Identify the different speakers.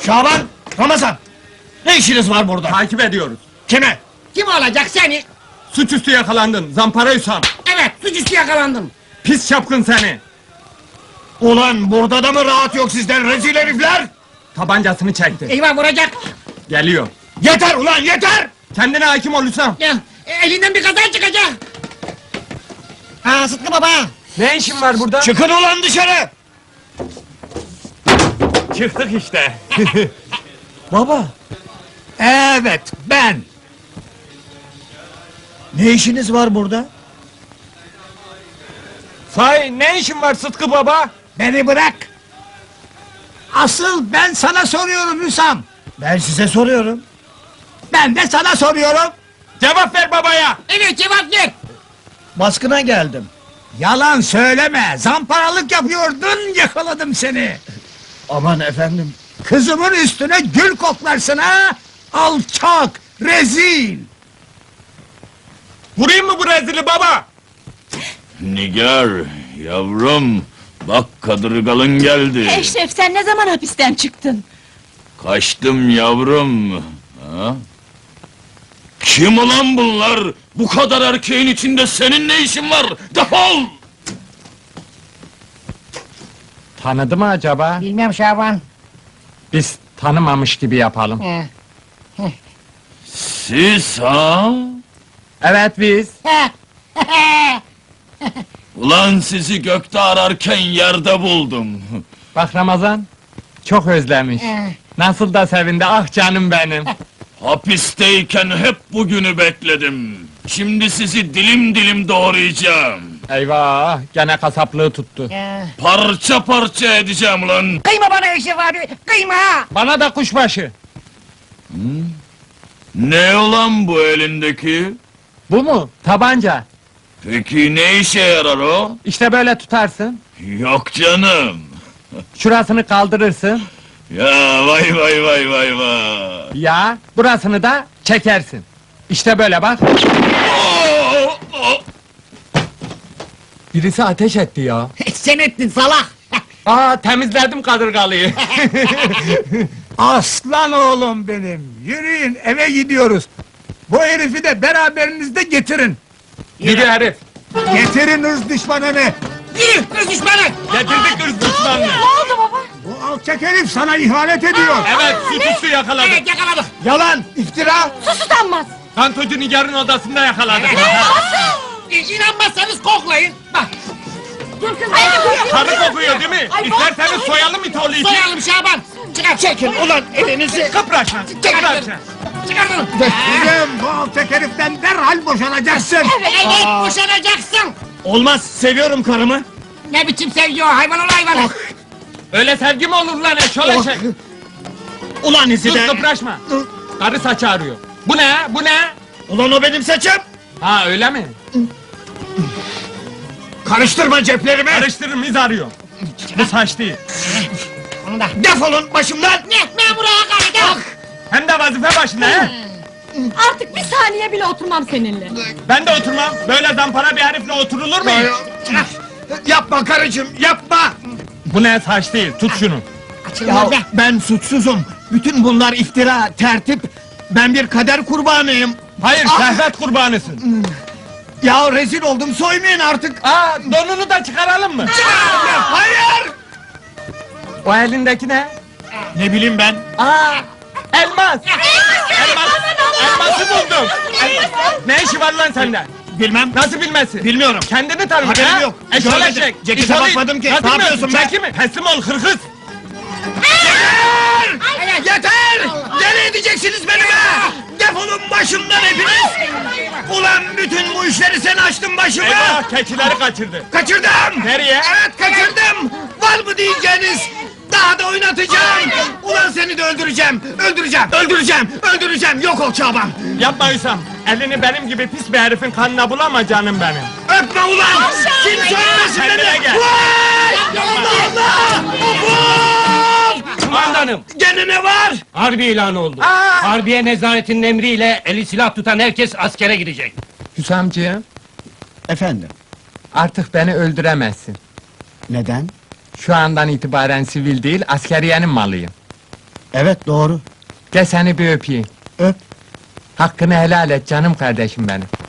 Speaker 1: Şaban, Ramazan! Ne işiniz var burada?
Speaker 2: Takip ediyoruz.
Speaker 1: Kime?
Speaker 3: Kim olacak seni?
Speaker 2: Suçüstü yakalandın, zampara Hüsam.
Speaker 3: Evet, suçüstü yakalandım.
Speaker 2: Pis çapkın seni.
Speaker 1: Ulan burada da mı rahat yok sizden rezil herifler?
Speaker 2: Tabancasını çekti.
Speaker 3: Eyvah vuracak.
Speaker 2: Geliyor.
Speaker 1: Yeter ulan yeter!
Speaker 2: Kendine hakim ol Hüsam.
Speaker 3: Ya, elinden bir kaza çıkacak. Sıtkı baba.
Speaker 2: Ne işin var burada?
Speaker 1: Çıkın ulan dışarı!
Speaker 2: Çıktık işte.
Speaker 1: Baba! Evet, ben! Ne işiniz var burada?
Speaker 2: Sahi ne işin var Sıtkı baba?
Speaker 1: Beni bırak! Asıl ben sana soruyorum Hüsam! Ben size soruyorum. Ben de sana soruyorum!
Speaker 2: Cevap ver babaya.
Speaker 3: Evet, cevap ver.
Speaker 1: Baskına geldim. Yalan söyleme! Zamparalık yapıyordun, yakaladım seni! Aman efendim! Kızımın üstüne gül koklarsın ha! Alçak! Rezil!
Speaker 2: Vurayım mı bu rezili baba?
Speaker 4: Nigar, yavrum, bak kadırgalın geldi.
Speaker 5: Eşref sen ne zaman hapisten çıktın?
Speaker 4: Kaçtım yavrum. Ha? Kim ulan bunlar? Bu kadar erkeğin içinde senin ne işin var? Defol!
Speaker 2: Tanıdı mı acaba?
Speaker 3: Bilmem Şaban.
Speaker 2: Biz tanımamış gibi yapalım.
Speaker 4: Siz ha?
Speaker 2: Evet biz.
Speaker 4: Ulan sizi gökte ararken yerde buldum.
Speaker 2: Bak Ramazan. Çok özlemiş. Nasıl da sevindi ah canım benim.
Speaker 4: Hapisteyken hep bugünü bekledim. Şimdi sizi dilim dilim doğrayacağım.
Speaker 2: Eyvah gene kasaplığı tuttu.
Speaker 4: Parça parça edeceğim ulan.
Speaker 3: Kıyma bana Eşref abi, kıyma!
Speaker 2: Bana da kuşbaşı.
Speaker 4: Ne ulan bu elindeki?
Speaker 2: Bu mu? Tabanca.
Speaker 4: Peki ne işe yarar o?
Speaker 2: İşte böyle tutarsın.
Speaker 4: Yok canım.
Speaker 2: Şurasını kaldırırsın.
Speaker 4: Ya vay vay vay vay vay.
Speaker 2: Ya burasını da çekersin. İşte böyle bak.
Speaker 4: Oo, oo.
Speaker 2: Birisi ateş etti ya.
Speaker 3: Sen ettin salak!
Speaker 2: Aa temizledim kadırgalıyı.
Speaker 1: Aslan oğlum benim! Yürüyün, eve gidiyoruz! Bu herifi de beraberinizde getirin!
Speaker 2: Yürü herif.
Speaker 1: Getirin hırs düşmanını!
Speaker 3: Yürü, kız düşmanı!
Speaker 2: Getirdik hırs düşmanını.
Speaker 5: Ne oldu baba?
Speaker 1: Bu alçak herif sana ihanet ediyor!
Speaker 2: Evet suçüstü yakaladık.
Speaker 3: Evet, yakaladık!
Speaker 1: Yalan, iftira!
Speaker 5: Sus utanmaz!
Speaker 2: Kantocu Nigar'ın odasında yakaladık.
Speaker 3: İnanmazsanız koklayın! Bak,
Speaker 5: Dur kız ay,
Speaker 2: Karı kokuyor değil mi?
Speaker 5: Ay,
Speaker 2: İsterseniz soyalım it oğlu iti.
Speaker 3: soyalım Şaban! Çıkar!
Speaker 1: Çekin ulan elinizi!
Speaker 2: Kıpraşma. Kıpraşma.
Speaker 3: Çıkar bunu!
Speaker 1: Kızım, bu alçak heriften derhal boşanacaksın!
Speaker 3: Evet, boşanacaksın!
Speaker 1: Olmaz, seviyorum karımı!
Speaker 3: Ne biçim sevgi o, hayvan ol hayvan!
Speaker 2: Öyle sevgi mi olur lan eşoleşek?
Speaker 1: Ulan izi
Speaker 2: Sus
Speaker 1: de!
Speaker 2: kıpraşma. Karı saçı arıyor. Bu ne? Bu ne?
Speaker 1: Ulan o benim saçım!
Speaker 2: Ha öyle mi?
Speaker 1: Karıştırma ceplerimi!
Speaker 2: Karıştırırım iz arıyor. Bu saç değil.
Speaker 3: Onu da!
Speaker 1: Defolun başımdan!
Speaker 3: Ne buraya hakaret!
Speaker 2: Hem de vazife başında he.
Speaker 5: Artık bir saniye bile oturmam seninle.
Speaker 2: Ben de oturmam. Böyle zampara bir herifle oturulur mu hiç?
Speaker 1: Yapma karıcığım, yapma!
Speaker 2: Bu ne saç değil. Tut şunu.
Speaker 1: Ya ben suçsuzum. Bütün bunlar iftira, tertip. Ben bir kader kurbanıyım.
Speaker 2: Hayır şehvet kurbanısın.
Speaker 1: Ya rezil oldum, soymayın artık.
Speaker 2: Aa donunu da çıkaralım mı?
Speaker 1: Hayır!
Speaker 2: O elindeki ne?
Speaker 1: Ne bileyim ben.
Speaker 2: Aa elmas. Elmas. Elması buldum. Ne işi var lan sende?
Speaker 1: Bilmem.
Speaker 2: Nasıl bilmesi?
Speaker 1: Bilmiyorum.
Speaker 2: Kendini tanı.
Speaker 1: Haberim
Speaker 2: ha?
Speaker 1: yok.
Speaker 2: Eşoleşek.
Speaker 1: Görmedim. Cekete
Speaker 2: İtolit.
Speaker 1: bakmadım ki.
Speaker 2: Nasıl
Speaker 1: Ne
Speaker 2: bilmiyorsun?
Speaker 1: yapıyorsun be?
Speaker 2: Çeki mi? Teslim ol hırkız.
Speaker 1: Yeter! Nereye edeceksiniz beni be? Defolun başımdan hepiniz! Ulan bütün bu işleri sen açtın başıma!
Speaker 2: Eyvah keçileri kaçırdı.
Speaker 1: Kaçırdım!
Speaker 2: Nereye?
Speaker 1: Evet kaçırdım! Var mı diyeceğiniz? Daha da oynatacağım! Ulan seni de öldüreceğim! Öldüreceğim! Öldüreceğim! Öldüreceğim! Yok ol Çaban!
Speaker 2: Yapma Hüsam. Elini benim gibi pis bir herifin kanına bulama canım benim.
Speaker 1: Öpme ulan! Kim söylemesin
Speaker 2: Kendine
Speaker 1: beni!
Speaker 2: gel.
Speaker 1: Vay! Allah Allah! Of!
Speaker 6: Kumandanım,
Speaker 1: Gene ne var?
Speaker 6: harbi ilan oldu.
Speaker 2: Aa!
Speaker 6: Harbiye nezaretinin emriyle eli silah tutan herkes askere gidecek.
Speaker 2: Hüsamcığım
Speaker 1: Efendim?
Speaker 2: artık beni öldüremezsin.
Speaker 1: Neden?
Speaker 2: Şu andan itibaren sivil değil askeriyenin malıyım.
Speaker 1: Evet doğru.
Speaker 2: Gel seni bir öpeyim.
Speaker 1: Öp.
Speaker 2: Hakkını helal et canım kardeşim benim.